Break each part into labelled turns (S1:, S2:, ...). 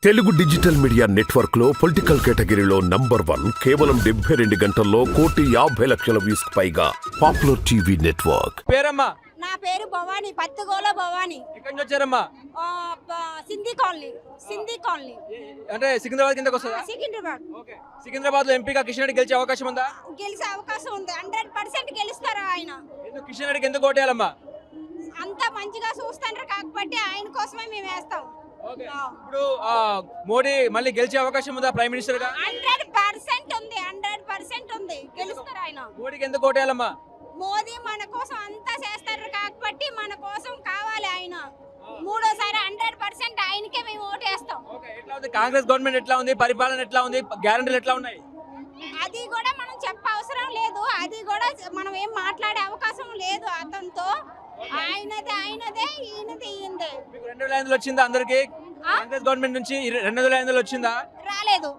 S1: Telugu digital media network లో political కేటగిరీలో number 1 కేవలం 72 గంటల్లో 1,50,00,000 వ్యూస్ పైగా పాపులర్ టీవీ నెట్వర్క్.
S2: పేరమ్మా?
S3: నా పేరు భవాని, పత్తిగోల భవాని.
S2: ఎక్కడి నుంచి వచ్చారమ్మా?
S3: సింధీ కాలనీ.
S2: అంటే సికింద్రాబాద్ కిందకి వస్తుందా?
S3: సికింద్రాబాద్.
S2: ఓకే. సికింద్రాబాద్ లో ఎంపీగా కిషన్ రెడ్డి గెలిచే అవకాశం ఉందా?
S3: గెలిచే అవకాశం ఉంది. 100% గెలుస్తారు ఆయన.
S2: ఎందుకు కిషన్ రెడ్డికి ఎందుకు ఓటేయాలమ్మా?
S3: అంత మంచిగా చూస్తాండ్రు కాబట్టి ఆయన కోసమే మేము వేస్తాం.
S2: ఓకే. ఇప్పుడు మోడీ మళ్ళీ గెలిచే అవకాశం ఉందా ప్రైమ్ మినిస్టర్ గా?
S3: 100% ఉంది. 100% ఉంది. గెలుస్తారు ఆయన.
S2: మోడీకి ఎందుకు ఓటేయాలమ్మా?
S3: మోదీ మన కోసం అంతా చేస్తారు కాబట్టి మన కోసం కావాలి ఆయన. మూడోసారి 100% ఆయనకే మేము ఓటేస్తాం.
S2: ఓకే. ఎట్లా ఉంది కాంగ్రెస్ గవర్నమెంట్? ఎట్లా ఉంది పరిపాలన? ఎట్లా ఉంది గ్యారెంటీలు ఎట్లా ఉన్నాయి?
S3: అది కూడా మనం అవసరం లేదు. అది కూడా మనం ఏం మాట్లాడే అవకాశం లేదు అతనితో. ఆయనదే ఈయనదే.
S2: మీకు 2,500 వచ్చిందా అందరికి? కాంగ్రెస్ గవర్నమెంట్ నుంచి 2,500 వచ్చిందా?
S3: రాలేదు.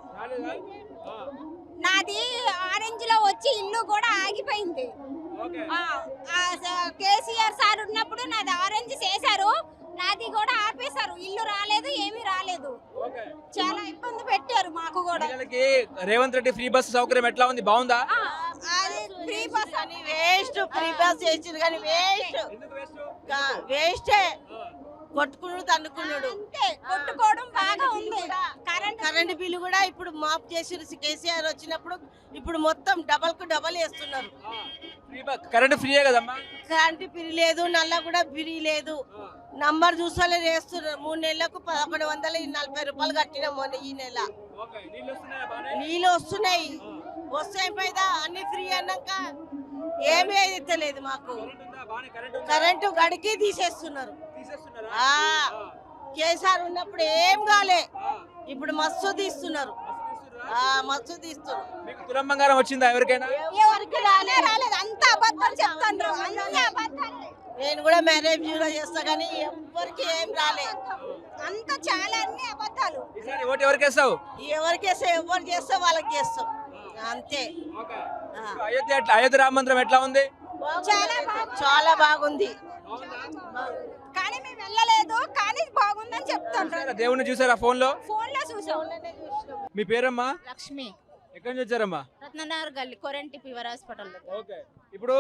S3: నాది ఆరెంజ్ లో వచ్చి ఇల్లు కూడా ఆగిపోయింది. కేసీఆర్ సార్ ఉన్నప్పుడు నాది ఆరెంజ్ చేశారు, నాది కూడా ఆపేశారు. ఇల్లు రాలేదు, ఏమీ రాలేదు. చాలా ఇబ్బంది పెట్టారు మాకు కూడా.
S2: రేవంత్ రెడ్డి ఫ్రీ బస్ సౌకర్యం ఎట్లా ఉంది? బాగుందా?
S3: అది ఫ్రీ బస్
S4: అని వేస్ట్. ఫ్రీ బస్ చేసిండు కానీ వేస్టే. కొట్టుకున్నాడు, తన్నుకున్నాడు.
S3: కొట్టుకోవడం బాగా ఉంది.
S4: కరెంట్ బిల్లు కూడా ఇప్పుడు మాఫ్ చేసిరు కేసీఆర్ వచ్చినప్పుడు. ఇప్పుడు మొత్తం డబల్ వేస్తున్నారు.
S2: కరెంట్ ఫ్రీయే కదమ్మా?
S4: కరెంట్ ఫ్రీ లేదు, నల్ల కూడా ఫ్రీ లేదు. నంబర్ చూసాలే వేస్తున్నారు. 3 నెలలకు 1140 రూపాయలు కట్టినాం మొన్న ఈ నెల. నీళ్ళు వస్తున్నాయి. వస్తే పైదా అన్ని ఫ్రీ అన్నాక ఏమీ అయితే మాకు. కరెంటు గడికి తీసేస్తున్నారు. కేసీఆర్ ఉన్నప్పుడు ఏం కాలే, ఇప్పుడు మస్తు తీస్తున్నారు. మస్తు తీస్తున్నారు.
S2: మీకు తులం బంగారం వచ్చిందా ఎవరికైనా?
S3: ఎవరికి రాలేదు. అంత అబద్ధాలు చెప్తాండ్రు.
S4: నేను కూడా మ్యారేజ్ చేస్తా కానీ ఎవరికి ఏం రాలే.
S3: అంత చాలా అన్ని అబద్ధాలు.
S2: ఓటు ఎవరికి వేస్తావు?
S4: ఎవరు చేస్తే వాళ్ళకి చేస్తాం అంతే.
S2: అయోధ్య రామ మందిరం ఎట్లా ఉంది?
S4: చాలా బాగుంది.
S3: కానీ మేము వెళ్ళలేదు, కానీ బాగుందని చెప్తాను.
S2: దేవుణ్ణి చూసారా ఫోన్ లో
S3: చూసాం.
S2: మీ పేరమ్మా?
S5: లక్ష్మి.
S2: ఎక్కడి నుంచి వచ్చారమ్మా?
S5: రత్ననగర్ గల్లీ కొరెంటి ఫీవర్ హాస్పిటల్.
S2: ఓకే. ఇప్పుడు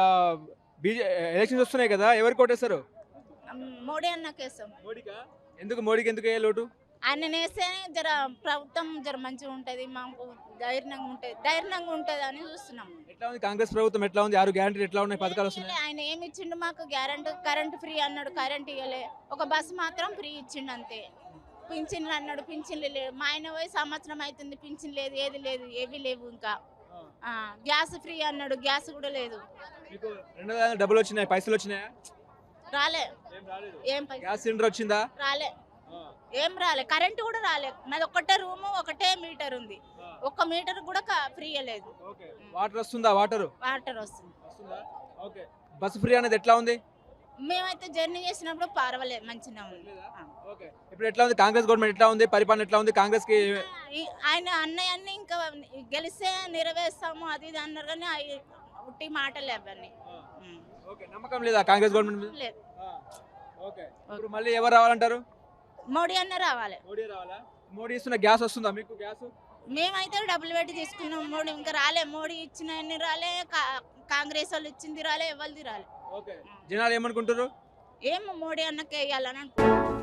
S2: ఎలక్షన్స్ వస్తున్నాయి కదా, ఎవరికి ఓటేస్తారు?
S5: మోడీ అన్నకేస్తాం.
S2: మోడీకా? ఎందుకు మోడీకి ఎందుకు లోటు?
S5: ఆయన వేస్తే జర ప్రభుత్వం జర మంచిగా ఉంటది, మాకు ధైర్యంగా ఉంటది అని చూస్తున్నాం.
S2: ఎట్లా ఉంది కాంగ్రెస్ ప్రభుత్వం? ఎట్లా ఉంది? 6 గ్యారెంటీలు ఎట్లా ఉన్నాయి? పథకాలు వస్తున్నాయి?
S5: ఆయన ఏమి ఇచ్చిండు మాకు? కరెంట్ ఫ్రీ అన్నాడు, కరెంట్ ఇవ్వలే. ఒక బస్సు మాత్రం ఫ్రీ ఇచ్చిండు అంతే. పింఛన్లు అన్నాడు, పింఛన్లు లేవు. మా ఆయన పోయి సంవత్సరం అవుతుంది, పింఛన్ లేదు, ఏవి లేవు. ఇంకా గ్యాస్ ఫ్రీ అన్నాడు, గ్యాస్ కూడా లేదు.
S2: మీకు 2,000 డబ్బులు వచ్చినాయి, పైసలు వచ్చినాయా?
S5: రాలే. ఏం
S2: గ్యాస్ సిలిండర్ వచ్చిందా?
S5: రాలే. ఏం రాలే. కరెంట్ కూడా రాలే. మాది ఒకటే రూము, ఒకటే మీటర్ ఉంది. 1 మీటర్ కూడా ఫ్రీ లేదు.
S2: వాటర్ వస్తుందా? వాటర్
S5: వస్తుంది.
S2: ఓకే. బస్ ఫ్రీ అనేది ఎట్లా ఉంది?
S5: మేమైతే జర్నీ చేసినప్పుడు పర్వాలేదు, మంచిగా ఉంది.
S2: ఓకే. ఇప్పుడు ఎట్లా ఉంది కాంగ్రెస్ గవర్నమెంట్? ఎట్లా ఉంది పరిపాలన? ఎట్లా ఉంది కాంగ్రెస్ కి?
S5: ఆయన అన్నయ్యన్ని ఇంకా గెలిస్తే నెరవేర్స్తాము అది ఇది అన్నారు కానీ ఉట్టి మాటలే అవన్నీ.
S2: ఓకే. నమ్మకం లేదా కాంగ్రెస్ గవర్నమెంట్ మీద?
S5: లేదు.
S2: ఓకే. ఇప్పుడు మళ్ళీ ఎవరు రావాలంటారు?
S5: మోడీ అన్న రావాలి.
S2: మోడీ రావాలా? మోడీ ఇస్తున్న గ్యాస్ వస్తుందా మీకు? గ్యాస్
S5: మేమైతే డబ్బులు పెట్టి తీసుకున్నాం. మోడీ ఇంకా రాలే. మోడీ ఇచ్చిన రాలే, కాంగ్రెస్ వాళ్ళు ఇచ్చింది రాలే, ఎవరిది రాలే.
S2: ఓకే. జనాలు ఏమనుకుంటారు?
S5: ఏమో మోడీ అన్నకే వేయాలని అనుకుంటున్నారు.